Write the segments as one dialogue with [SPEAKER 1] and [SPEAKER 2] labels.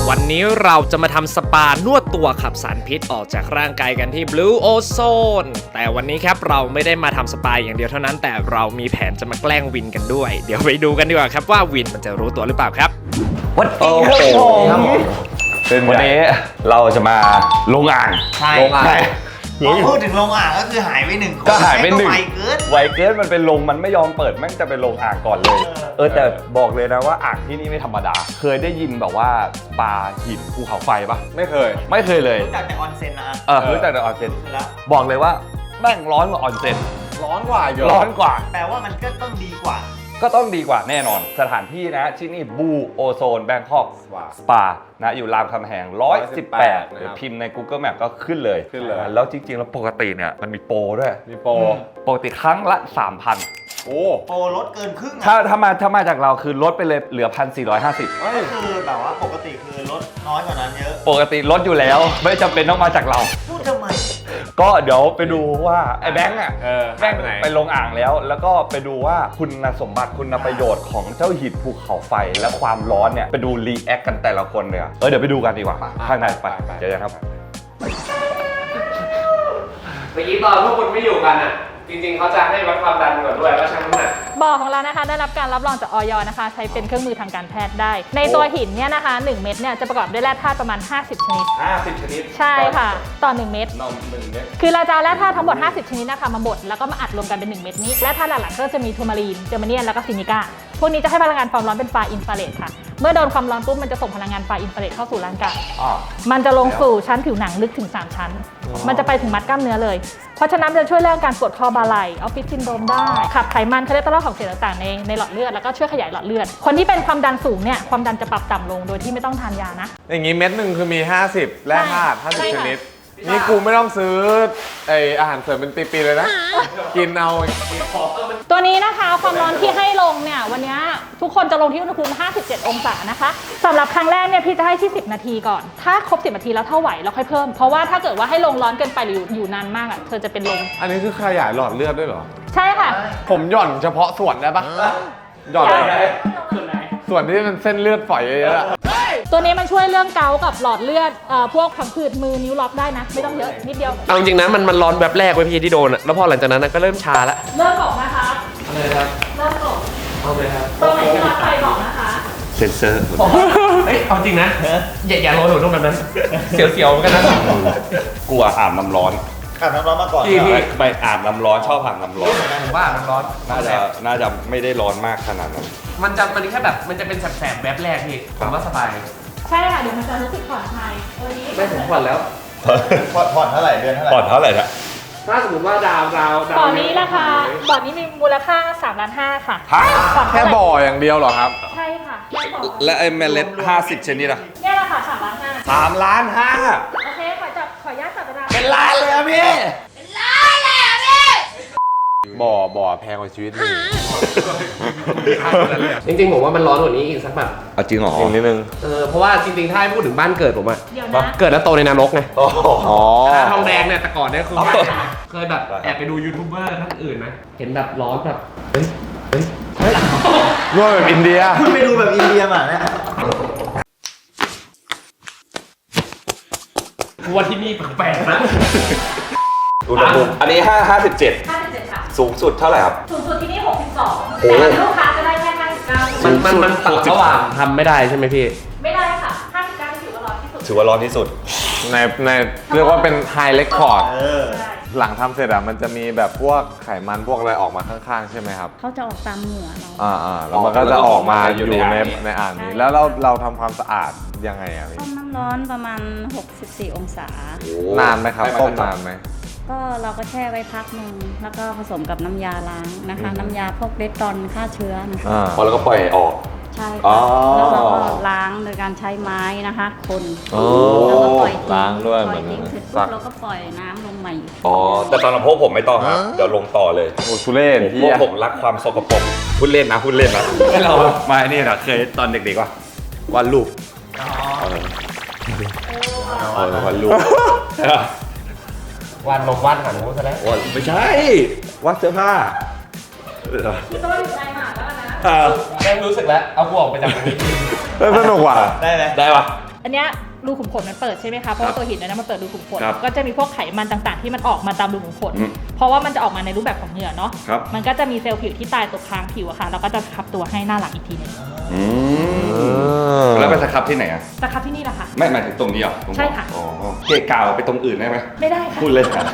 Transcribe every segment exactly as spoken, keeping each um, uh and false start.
[SPEAKER 1] วันนี้เราจะมาทำสปานวดตัวขับสารพิษออกจากร่างกายกันที่ Blue Ozone แต่วันนี้ครับเราไม่ได้มาทำสปาอย่างเดียวเท่านั้นแต่เรามีแผนจะมาแกล้งวินกันด้วยเดี๋ยวไปดูกันดีกว่าครับว่าวินมันจะรู้ตัวหรือเปล่าครับ
[SPEAKER 2] วันนี้ครับผมวันนี้เราจะมาลงอ่าง
[SPEAKER 3] ใช่
[SPEAKER 2] ลงอ่าง
[SPEAKER 3] พอพูดถึงโรงอ่างก็คือหายไปหนึ่งคน
[SPEAKER 2] ก็หายไปหนึ่ง
[SPEAKER 3] ไวเกิน
[SPEAKER 2] ไวเกินมันเป็นลงมันไม่ยอมเปิดแม่งจะเป็นลงอ่างก่อนเลย เออแต่บอกเลยนะว่าอ่างที่นี่ไม่ธรรมดา เคยได้ยินแบบว่าสปาหินภูเขาไฟปะไม่เคย ไม่เคยเลย
[SPEAKER 3] รู้จักแต่ออนเซ็นนะ
[SPEAKER 2] เออรู้จักแต่ออนเซ็น
[SPEAKER 3] แล้ว
[SPEAKER 2] บอกเลยว่าแม่งร้อนกว่าออนเซ็น
[SPEAKER 4] ร้อนกว่าอยู่
[SPEAKER 2] ร้อนกว่า
[SPEAKER 3] แปลว่ามันก็ต้องดีกว่า
[SPEAKER 2] ก็ต้องดีกว่าแน่นอน สถานที่นะที่นี่บูโอโซนแบงคอกสปานะอยู่รามคำแหงหนึ่งร้อยสิบแปดหรือพิมพ์ใน Google Map ก็ขึ้นเลย
[SPEAKER 4] ขึ้นเลย
[SPEAKER 2] แล้วจริงๆ แล้วปกติเนี่ยมันมีโปรด้วย
[SPEAKER 4] มีโปร
[SPEAKER 2] ปกติครั้งละ สามพัน
[SPEAKER 4] โอ้
[SPEAKER 3] โปรลดเกินครึ่ง
[SPEAKER 2] ถ้า
[SPEAKER 3] อ่ะ
[SPEAKER 2] ถ้ามาถ้ามาจากเราคือลดไปเลยเหลือ หนึ่งพันสี่ร้อยห้าสิบ
[SPEAKER 3] ก็คือแบบว่าปกติคือลดน้อยกว่านั้นเยอะ
[SPEAKER 2] ปกติลดอยู่แล้ว ไม่จำเป็นต้องมาจากเรา
[SPEAKER 3] พูดทำไม
[SPEAKER 2] ก็เดี๋ยวไปดูว่าไอ้แบงค์อ่ะ
[SPEAKER 4] เออ
[SPEAKER 2] แบงค์
[SPEAKER 4] ไปไหน
[SPEAKER 2] ไปลงอ่างแล้ว แล้วก็ไปดูว่าคุณสมบัติคุณประโยชน์ของเจ้าหินภูเขาไฟและความร้อนเนี่ยไปดูรีแอคกันแต่ละคนเลยอะเออเดี๋ยวไปดูกันดีกว่าข้างในไปเจอกันครับ
[SPEAKER 1] เมื่อกี้ตอนพวกคุณไม่อยู่กันอ่ะจริงๆเขาจะให้วัดความดันก่อนด้วยว่าชั่งน้ำหนัก
[SPEAKER 5] บ่อของเรานะคะได้รับการรับรองจากอยนะคะใช้เป็นเครื่องมือทางการแพทย์ได้ ในตัวหินเนี่ยนะคะหนึ่งเม็ดเนี่ยจะประกอบด้วยแร่ธาตุประมาณห้าสิบชนิด
[SPEAKER 2] ห้าสิบชนิด
[SPEAKER 5] ใช่ค่ะต่อหนึ่งเม็ด
[SPEAKER 2] นมหนึ่งเม็ด
[SPEAKER 5] คือเราจะเอาแร่ธาตุทั้งหมดห้าสิบชนิดนะคะมาบดแล้วก็มาอัดรวมกันเป็นหนึ่งเม็ดนี้แร่ธาตุหลักๆก็จะมีทูมารีนเจอร์มาเนียนแล้วก็ซินิก้าพวกนี้จะให้พลังงานความร้อนเป็นไฟอินฟราเรดค่ะเมื่อโดนความร้อนปุ๊บมันจะส่งพลังงานไฟอินฟราเรดเข้าสู่ร่างกาย
[SPEAKER 2] อ่า
[SPEAKER 5] มันจะลงสู่ชั้นผิวหนังลึกถึงสามชั้น มันจะไปถึงมัดกล้ามเนื้อเลย เพราะฉะนั้นมันจะช่วยเรื่องการปวดคอบ่าไหล่ออฟฟิศซินโดรมได้ ขับไขมันคอเลสเตอรอลของเสียต่างๆในในหลอดเลือด แล้วก็ช่วยขยายหลอดเลือด คนที่เป็นความดันสูงเนี่ย ความดันจะปรับต่ำลงโดยที่ไม่ต้องทานยานะ
[SPEAKER 4] อย่างงี้เม็ดหนึ่งคือมี ห้าสิบแร่ธาตุ
[SPEAKER 5] ใช่
[SPEAKER 4] ห้าสิบ
[SPEAKER 5] ค่ะ
[SPEAKER 4] ชนิด นี่กูไม่ต้องซื้อไออาหารเสริมเป็นปีๆเลยนะ กินเอา
[SPEAKER 5] ตัวนี้นะคะความร้อนที่ให้ลงเนี่ยวันนี้ทุกคนจะลงที่อุณหภูมิห้าสิบเจ็ดองศานะคะสำหรับครั้งแรกเนี่ยพี่จะให้ที่สิบนาทีก่อน ถ้าครบสิบนาทีแล้วเท่าไหวเราค่อยเพิ่ม เพราะว่าถ้าเกิดว่าให้ลงร้อนเกินไปหรืออยู่อยู่นานมากอ่ะเธอจะเป็นลม
[SPEAKER 4] อันนี้คือขยายหลอดเลือดด้วยเหรอ
[SPEAKER 5] ใช่ค่ะ
[SPEAKER 4] ผมหย่อนเฉพาะส่วนได้ปะหย่อนส่วนที่มันเส้นเลือดฝอยเยอะๆอะ
[SPEAKER 5] ตัวนี้มันช่วยเรื่องเกาต์กับหลอดเลือดเอ่อพวกผังผืดมือนิ้วล็อกได้นะ ไม่ต้องเยอะนิดเดียว
[SPEAKER 1] เอาจริงๆนะมันมันร้อนแบบแรกไว้พี่ที่โดนอะแล้วพอหลังจากนั้นนะก็เริ่มชาละ
[SPEAKER 5] เริ่มบอกนะคะ
[SPEAKER 1] อะไรครับ
[SPEAKER 5] เริ่มบอก
[SPEAKER 1] เอาเลยครับ
[SPEAKER 5] ตรงไหนที่ล็อกไฟบอกนะคะ
[SPEAKER 2] เซนเซอร์
[SPEAKER 1] เฮ้ยเอาจริงนะอย่าอย่าร้อนหนูตรงแบบนั้นเสียวๆเหมือนกันนะ
[SPEAKER 2] กลัวอาบน้ำร้อน
[SPEAKER 3] อาบน้ำร้อนมาก่อน
[SPEAKER 2] พี่พี่ไปอาบน้ำร้อนชอบอาบน้ำร้อน
[SPEAKER 1] ผมว่ามันร้อน
[SPEAKER 2] น่าจะน่าจะไม่ได้ร้อนมากขนาดนั้น
[SPEAKER 1] มันจะมันแค่แบบมันจะเป็นแสบๆแบบแรกพี่ผมว่าสบาย
[SPEAKER 5] ใช่ค่ะเดี๋ยวมันจะรู้สึกผ่อนคลายตัวนี้
[SPEAKER 1] ไม่ผมผ่อนแล้ว
[SPEAKER 3] ผ่อนผ่อนเท่าไหร่เดือนเท่าไหร่
[SPEAKER 2] ก่อนเท่าไหร่นะ
[SPEAKER 1] ถ้าสมมติว่าดาวดาวดาว
[SPEAKER 5] บ่อนี้ราคาบ่อนี้มีมูลค่าสามล้านห้าค่ะ
[SPEAKER 2] ฮะ
[SPEAKER 5] ผ่อน
[SPEAKER 4] แค่
[SPEAKER 5] เท่าไหร่
[SPEAKER 4] บ่ออย่างเดียวเหรอครับ
[SPEAKER 5] ใช่ค่ะแค่บ่อ
[SPEAKER 2] และไอ้เมล็ดห้าสิบชนิดอะ
[SPEAKER 5] เนี่ยราคาสามล้านห้า
[SPEAKER 2] สามล้านห้า
[SPEAKER 5] โอเคขอจับขออนุญาตจับเวลา
[SPEAKER 2] เป็นล้านเลยอะพี่
[SPEAKER 4] บ่อบ่อแพงกว่าชีวิตนี่
[SPEAKER 1] จริงๆผมว่ามันร้อนกว่านี้อีกสักแบบ
[SPEAKER 2] เอาจริงเหรอ
[SPEAKER 4] อีกนิดนึง
[SPEAKER 1] เออเพราะว่าจริงๆถ้าให้พูดถึงบ้านเกิดผมอะ
[SPEAKER 5] เดี๋ยวนะ
[SPEAKER 1] เกิดแล้วโตในนรกไง
[SPEAKER 2] โอ้โห
[SPEAKER 4] อ๋อ
[SPEAKER 1] ทองแดงเนี่ยแต่ก่อนเนี่ยคือเคยแบบแอบไปดูยูทูบเบอร์ท่านอื่นไหมเห็นแบบร้อนแบบเฮ้ยเฮ้ยเฮ้ย
[SPEAKER 4] นวดแบบอินเดีย
[SPEAKER 3] คุณไปดูแบบอินเดียมาเนี่ย
[SPEAKER 1] กูว่าที่นี่แปลกๆนะ
[SPEAKER 2] อุณหภูมิอันนี้ห้าห้าสิบเจ็ด
[SPEAKER 5] ห้าสิบเจ็ดค่ะ
[SPEAKER 2] สูงสุดเท่าไหร่ครับ
[SPEAKER 5] สูงสุดที่นี่หกสิบสอง
[SPEAKER 2] โอ้
[SPEAKER 5] แต่ลูกค้าจะได้แค่ห้าสิบเก้า
[SPEAKER 1] มันมันมันตัดระหว่างทำไม่ได้ใช่ไหมพี่
[SPEAKER 5] ไม่ได้ค่ะห้าสิบเก้าถือว่าร้อนที่สุด
[SPEAKER 2] ถือว่าร้อนที่สุด
[SPEAKER 4] ในในเรียกว่าเป็นไฮเ e คคอร์ด
[SPEAKER 3] เออ
[SPEAKER 5] ใช่
[SPEAKER 4] หลังทำเสร็จอะมันจะมีแบบพวกไขมันพวกอะไรออกมาข้างๆ ใช่ไหมครับ
[SPEAKER 6] เขาจะออกตามเหงื่อเรา
[SPEAKER 4] อ่าอ่าแล้วมันก็จะออกมาอยู่ในในอ่างนี้ แล้วเราเราทำความสะอาดยังไงอะพี่
[SPEAKER 6] ต้มน้ำร้อนประมาณ หกสิบสี่ องศา
[SPEAKER 4] นานไหมครับต้มนานไหม
[SPEAKER 6] ก็เราก็แช่ไว้พักหนึ่งแล้วก็ผสมกับน้ำยาล้างนะคะ
[SPEAKER 4] อืม
[SPEAKER 6] น้ำยาพวกเดตตอนฆ่าเชื้อนะคะ
[SPEAKER 4] อ่า
[SPEAKER 2] พอแล้วก็ปล่อยออก
[SPEAKER 6] ใช่
[SPEAKER 2] อ๋อ
[SPEAKER 6] ค่ะแล้วเราก็ล้างโดยการใช้ไม้นะคะ คน
[SPEAKER 4] โอ้
[SPEAKER 6] แล้วก็ปล่อยทิ้ง
[SPEAKER 4] ล้างด้วย
[SPEAKER 6] ป
[SPEAKER 4] เห
[SPEAKER 6] ล่
[SPEAKER 4] มื
[SPEAKER 6] อ
[SPEAKER 4] อย น
[SPEAKER 6] ทิ้งเสร็จ
[SPEAKER 4] ซั
[SPEAKER 6] ปุ๊
[SPEAKER 4] ก
[SPEAKER 6] บเราก็ปล่อยน้ำลงใหม่
[SPEAKER 2] อ๋อ แต่ตอนเราพวกผมไม่ต้องครับ เดี๋ยวลงต่อเลย
[SPEAKER 4] โอ้ทุเรศ
[SPEAKER 2] พ
[SPEAKER 4] ที่
[SPEAKER 2] วกผมรักความสกปรกพูดเล่นนะพูดเล่นนะให้เรามานี่นะเคยตอนเด็กๆว่าวันรูปเออเออวันรูป
[SPEAKER 1] วันลมวันหันหูซะแล้ว
[SPEAKER 2] วันไม่ใช่วัดเสื้อผ้า
[SPEAKER 5] คือต้องอยู่ในหมาแล้วนะ
[SPEAKER 2] เออ
[SPEAKER 1] แม่งรู้สึกแล้วเอากูออกไปจากตรงนี้
[SPEAKER 4] เออสนุกว่ะ
[SPEAKER 3] ได้ไหม
[SPEAKER 2] ได้ปะ
[SPEAKER 5] อันเนี้ยรูขุมขนมันเปิดใช่ไหมคะเพราะว่าตัวหินนั้นมันเปิดรูขุมขน
[SPEAKER 2] ครับ
[SPEAKER 5] ก็จะมีพวกไขมันต่างๆ ที่มันออกมาตามรูขุมขน
[SPEAKER 2] อืม
[SPEAKER 5] เพราะว่ามันจะออกมาในรูปแบบของเหงื่อเนาะ
[SPEAKER 2] ครับ
[SPEAKER 5] มันก็จะมีเซลล์ผิวที่ตายตกค้างผิวอะค่ะแล้วก็จะขับตัวให้หน้าหลังอีกทีหนึง
[SPEAKER 2] อืมแล้วไปสครับที่ไหนอ่ะ
[SPEAKER 5] จะขับที่นี่แหละค่ะ
[SPEAKER 2] ไม่หมายถึงตรงนี้เหรอตรง
[SPEAKER 5] ใช่ค่ะ
[SPEAKER 2] อ๋อเกะกาวไปตรงอื่นได้ไหม
[SPEAKER 5] ไม่ได้ค่ะ
[SPEAKER 2] พูดเลยค่ะ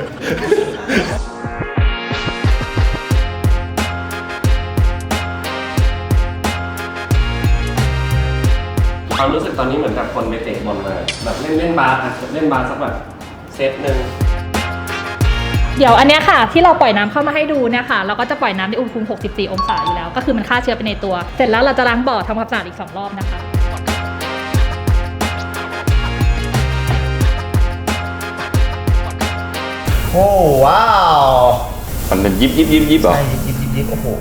[SPEAKER 1] ความรู้สึกตอนนี้เหมือนกับคนไปเตะบอลมาแบบเล่นเล่นบาสอะเล่นบาสสักแบบเซตหนึ่ง
[SPEAKER 5] เดี๋ยวอันเนี้ยค่ะที่เราปล่อยน้ำเข้ามาให้ดูเนี่ยค่ะเราก็จะปล่อยน้ำในอุณหภูมิหกสิบสี่องศาอยู่แล้วก็คือมันฆ่าเชื้อไปในตัว เสร็จแล้วเราจะล้างบ่อทำความสะอาดอีกสองรอบนะคะ
[SPEAKER 3] โอ้ว้าว
[SPEAKER 2] มันเป็นยิบยิบยิบยิบเหรอ
[SPEAKER 3] ใช่ยิบยิบยิบยิบโอ้โห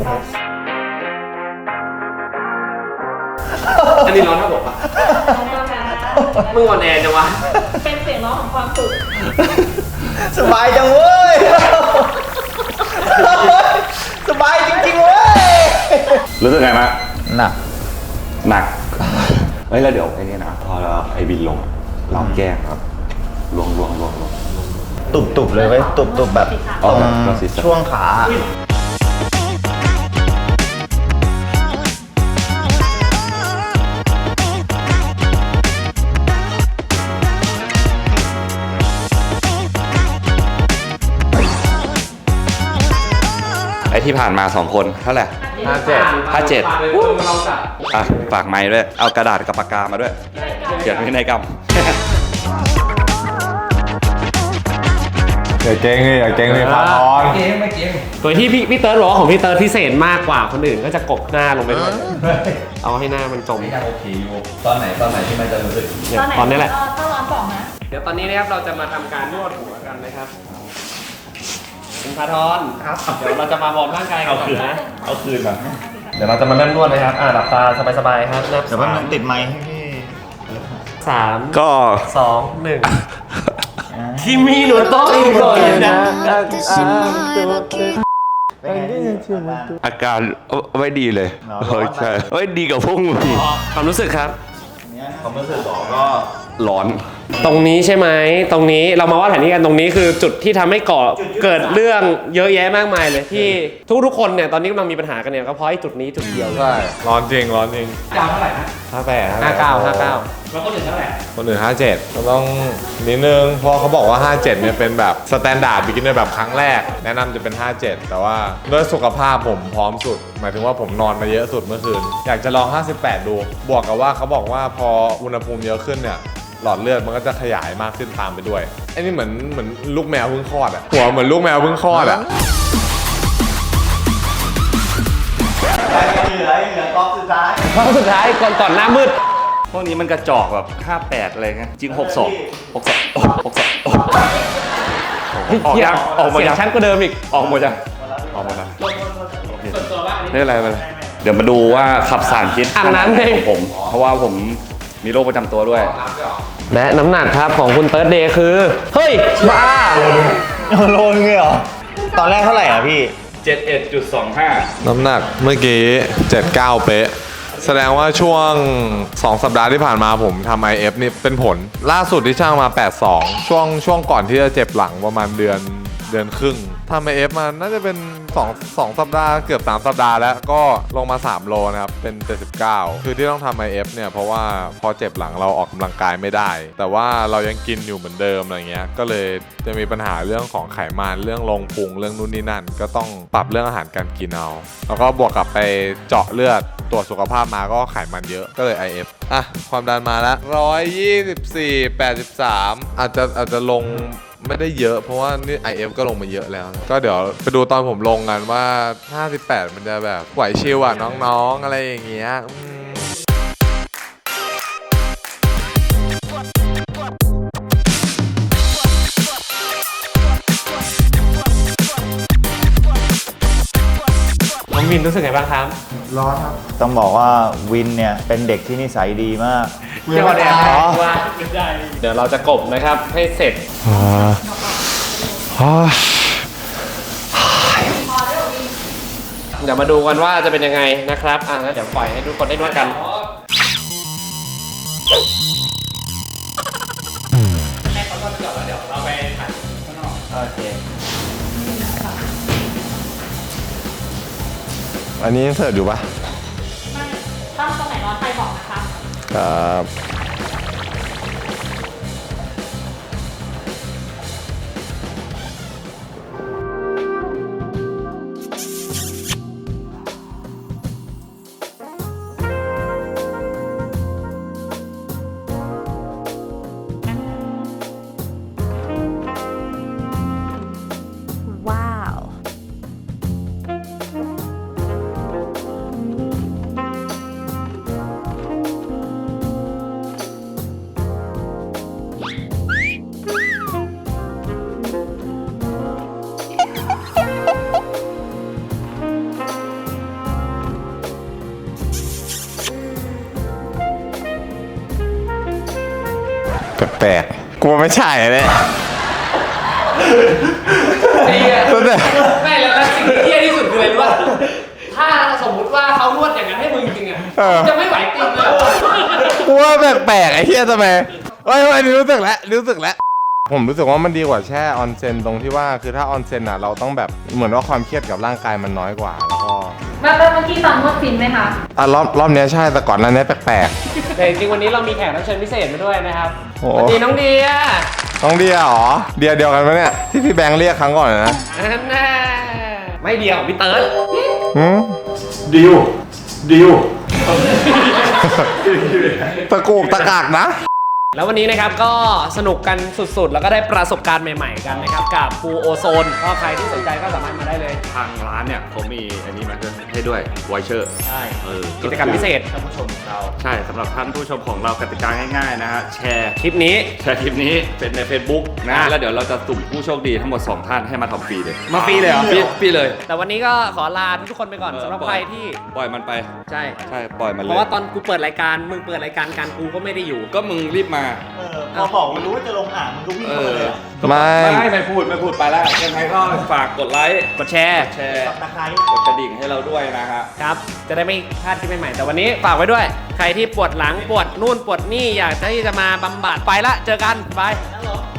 [SPEAKER 1] อันนี้ร้อนเท่าบอกว่ามึงอ่อนแอจังวะ
[SPEAKER 5] เป็นเสียงร้องของความสุข
[SPEAKER 3] สบายจังเว้ย สบายจริงๆเว้ย
[SPEAKER 2] รู้สึกไงมะ
[SPEAKER 3] หนัก
[SPEAKER 2] หนัก เฮ้ยแล้วเดี๋ยวไอ้นี่นะพอเราไอ้บินลงอะเราแกล้งครับลวงลวงลวงลวง
[SPEAKER 3] ตุบตุบเลยเว้ยตุบตุบแบบ
[SPEAKER 2] อ๋อ
[SPEAKER 3] ตรง
[SPEAKER 2] เราศีรษะ
[SPEAKER 3] ช่วงขา
[SPEAKER 2] ไอ้ที่ผ่านมาสองคนเท่าไหร่
[SPEAKER 4] ห้าเจ็ด
[SPEAKER 2] ห้าเจ็ด
[SPEAKER 1] เราจะ
[SPEAKER 2] อ่ะฝากไม้ด้วย เอากระดาษกับปากกามาด้วย เขียนพินัยกรรม
[SPEAKER 4] อย่าเก่งเลยอย่าเก่งเลยพาทอน
[SPEAKER 1] โดยที่พี่พี่เติร์ดบอกว่าของพี่เติร์ดพิเศษมากกว่าคนอื่นก็จะกบหน้าลงไปด้วยเอาให้หน้ามันจม
[SPEAKER 2] โอเคอยู่ตอนไหนตอนไหนที่มันจะรู้สึก
[SPEAKER 1] เนี่ยตอนนี้แหละ
[SPEAKER 5] ถ้าร้อนบอกนะ
[SPEAKER 1] เดี๋ยวตอนนี้นะครับเราจะมาทำการนวดหัวกันนะครับคุณพาทอนครับเดี๋ยวเราจะมาวอร์มร่างกายกันก่อนนะ
[SPEAKER 2] เอาคืนมา
[SPEAKER 1] เดี๋ยวเราจะมาเริ่มนวดนะครับอ่าหลับตาสบายๆครับนับ
[SPEAKER 3] แต่ว่ามันติดไมค์ให้พี่
[SPEAKER 1] สาม
[SPEAKER 2] ก็
[SPEAKER 1] สองหนึ่งที่มีหนูต้องอีกหน่อยนะ
[SPEAKER 2] อาการไม่ดีเลยเฮ้ยใช่เฮ้ยดีกับพวกมึงอีก
[SPEAKER 1] ความรู้สึกครับ
[SPEAKER 3] ความรู้สึกของก็
[SPEAKER 2] ร้อน
[SPEAKER 1] ตรงนี้ใช่ไหมตรงนี้เรามาว่าแผนที่กันตรงนี้คือจุดที่ทำให้ก่อเกิดเรื่องเยอะแยะมากมายเลยที่ทุกๆคนเนี่ยตอนนี้กำลังมีปัญหากันเนี่ยก็เพราะไอ้จุดนี้จุดเดียวเลย
[SPEAKER 4] ใช่ ร้อนจริง ร้อนจริง
[SPEAKER 1] ดาวเท่าไหร่นะ
[SPEAKER 4] ห้าแปด
[SPEAKER 1] ห้าเก้าห้าเก้าแล้วคนอื่นเท่าไหร่
[SPEAKER 4] คนอื่นห้าเจ็ดก็ต้องนิดนึง เพราะเขาบอกว่าห้าเจ็ดเนี่ยเป็นแบบสแตนดาร์ดบิกินเนอร์แบบครั้งแรก แนะนำจะเป็นห้าเจ็ดแต่ว่าด้วยสุขภาพผมพร้อมสุด หมายถึงว่าผมนอนมาเยอะสุดเมื่อคืน อยากจะลองห้าสิบแปดดู บวกกับว่าเขาบอกว่าพออุณหภูมิเยอะขึ้นเนี่ย หลอดเลือดมันก็จะขยายมากขึ้นตามไปด้วยไอ้นี่เหมือนเหมือนลูกแมวเพิ่งคลอดอะหัวเหมือนลูกแมวเพิ่งคลอดอะ
[SPEAKER 3] เหลือเหลือกรอบสุดท้าย
[SPEAKER 1] ครั้งสุดท้ายก่อนก่อนหน้ามืด
[SPEAKER 2] พวกนี้มันกระจอกแบบห้าแปดอะไรเงี้ยจริงหกสองหกสองหกสองออกยังออกหมด
[SPEAKER 1] เสีย
[SPEAKER 2] ยัง
[SPEAKER 1] งชั้นกว่าเดิมอีก
[SPEAKER 2] ออกหมดยัง
[SPEAKER 4] ออกมาแล้ว
[SPEAKER 2] ไม่เป็นไรไม่เป็นไรเดี๋ยวมาดูว่าขับสารพิษ
[SPEAKER 1] อ่างน้ำเลย
[SPEAKER 2] ของผม เพราะว่าผมมีโรคประจำตัวด้วย
[SPEAKER 1] และน้ำหนักครับของคุณเติร์ดเดย์คือ เฮ้ย บ้า
[SPEAKER 3] โลนึงเลยเหรอ ตอนแรกเท่าไหร่อ่ะพี่
[SPEAKER 2] เจ็ดเอ็ดจุดสองห้า
[SPEAKER 4] น้ำหนักเมื่อกี้เจ็ดเก้าเป๊ะ แสดงว่าช่วงสองสัปดาห์ที่ผ่านมาผมทำ ไอ เอฟ นี่เป็นผล ล่าสุดที่ช่างมาแปดสองช่วงช่วงก่อนที่จะเจ็บหลังประมาณเดือนเดือนครึ่งทำ ไอ เอฟ มาน่าจะเป็นสอง สองสัปดาห์เกือบสามสัปดาห์แล้วก็ลงมาสามโลนะครับเป็นเจ็ดสิบเก้าคือที่ต้องทำ ไอ เอฟ เนี่ยเพราะว่าพอเจ็บหลังเราออกกำลังกายไม่ได้ แต่ว่าเรายังกินอยู่เหมือนเดิมอะไรเงี้ยก็เลยจะมีปัญหาเรื่องของไขมันเรื่องลงพุงเรื่องนู่นนี่นั่นก็ต้องปรับเรื่องอาหารการกินเอาแล้วก็บวกกับไปเจาะเลือดตรวจสุขภาพมาก็ไขมันเยอะก็เลย ไอ เอฟ อ่ะความดันมาแล้วหนึ่งร้อยยี่สิบสี่ แปดสิบสามอาจจะอาจจะลงไม่ได้เยอะเพราะว่านี่ ไอ เอฟ ก็ลงมาเยอะแล้ว ก็เดี๋ยวไปดูตอนผมลงกันว่าห้าสิบแปดมันจะแบบไหวชิลอ่ะน้องๆอะไรอย่างเงี้ยอืม
[SPEAKER 1] น้องวินรู้สึกไงบ้างครับ
[SPEAKER 3] ร้อนครับ ต้องบอกว่าวินเนี่ยเป็นเด็กที่นิสัยดีมาก
[SPEAKER 1] เดี๋ยวเดี๋ยวว่าเดี๋ยวเราจะกบนะครับให้เสร็จ เดี๋ยวมาดูกันว่าจะเป็นยังไงนะครับ อ่ะแล้วเดี๋ยวปล่อยให้ทุกคนได้นวดกันโอเค
[SPEAKER 4] อันนี้ยังเสิร์ฟอยู่ปะ
[SPEAKER 5] ไม่ต้องตรงไหนร้อนไฟบอกนะคะ
[SPEAKER 4] ครับ
[SPEAKER 6] ว้าว
[SPEAKER 4] แปลกๆกลัวไม่ใช่เลย
[SPEAKER 1] ดีอะ
[SPEAKER 4] ตั้งแต่
[SPEAKER 1] ไม่แล้วแล้วสิ่งที่เหี้ยที่สุดคืออะไรรู้ป่ะถ้าสมมุติว่าเขานวดอย่างนั้นให้มึงจริงๆอ่ะ
[SPEAKER 4] เออ
[SPEAKER 1] จะไม่ไหวติงเลย
[SPEAKER 4] กลัวแปลกๆไอ้เหี้ยทำไมเฮ้ยเฮ้ยรู้สึกแล้วรู้สึกแล้วผมรู้สึกว่ามันดีกว่าแช่ออนเซ็นตรงที่ว่าคือถ้าออนเซ็นอ่ะเราต้องแบบเหมือนว่าความเครียดกับร่างกายมันน้อยกว่าแล้วก็
[SPEAKER 5] แล้วแล้วเมื่อกี้ตอนนวดฟินไหมคะ
[SPEAKER 4] อ่ะรอบรอบเนี้ยใช่แต่ก่อนหนั้นเนี้ยแปลก
[SPEAKER 1] แต่จริงๆวันนี้เรามีแขกรับเชิญพิเศษมาด้วยนะครับ
[SPEAKER 4] โอ้
[SPEAKER 1] สวัสดีน้องเดีย
[SPEAKER 4] ๆต้องเดียเหรอเดียเดียวกันไหมเนี่ยที่พี่แบงค์เรียกครั้งก่อนนะ
[SPEAKER 1] อันน่ะไม่เดียวพี่เติร์ด
[SPEAKER 4] หืม
[SPEAKER 2] ดิวดิว
[SPEAKER 4] ตะกูกตะกากนะ
[SPEAKER 1] แล้ววันนี้นะครับก็สนุกกันสุดๆ แล้วก็ได้ประสบการณ์ใหม่ๆกันนะครับกับฟูโอโซนก็ใครที่สนใจก็สามารถมาได้เลย
[SPEAKER 2] ทางร้านเนี่ยเขามีอันนี้มาให้ด้วยไวเชอร์
[SPEAKER 1] ใช่
[SPEAKER 2] เออ
[SPEAKER 1] กิจกรรมพิเศษ
[SPEAKER 2] ท่านผู้ชมของเราใช่สำหรับท่านผู้ชมของเรากติกาง่ายๆนะฮะแชร์
[SPEAKER 1] คลิปนี้
[SPEAKER 2] แชร์คลิปนี้เป็นใน Facebook นะ
[SPEAKER 1] อ่ะ
[SPEAKER 2] แล้วเดี๋ยวเราจะสุ่มผู้โชคดีทั้งหมดสองท่านให้มาทำฟรีเลย
[SPEAKER 1] มาฟรีเลยเหรอ
[SPEAKER 2] ฟรีฟรีเลย
[SPEAKER 1] แต่วันนี้ก็ขอลาทุกคนไปก่อนสำหรับใครที่
[SPEAKER 2] ปล่อยมันไป
[SPEAKER 1] ใช่
[SPEAKER 2] ใช่ปล่อยมัน
[SPEAKER 1] เพ
[SPEAKER 2] เลย
[SPEAKER 1] ราะว่าตอนกูเปิดรายการมึงเปิดรายการการกูก็ไม่ได้อยู่
[SPEAKER 2] ก็มึงรีบมา
[SPEAKER 3] เออพอบอกมันรู้ว่าจะลงอ่างมันก็วิ่ง
[SPEAKER 2] เอ
[SPEAKER 3] เข้ามา
[SPEAKER 2] อ
[SPEAKER 3] เลยอะ
[SPEAKER 4] ไม่
[SPEAKER 2] ไม่ไม่พูดไม่พูดไปแล้วยังไงก็ฝากกดไลค์
[SPEAKER 1] กดแชร์
[SPEAKER 2] แชร์
[SPEAKER 3] สับตะไคร้
[SPEAKER 2] กดกระดิ่งให้เราด้วยนะฮะ
[SPEAKER 1] ครับ จะได้ไม่พลาดคลิปใหม่ๆแต่วันนี้ฝากไว้ด้วย ใครที่ปวดหลังปวดนู่นปวดนี่อยากที่จะมาบำบัดไปละเจอกันบาย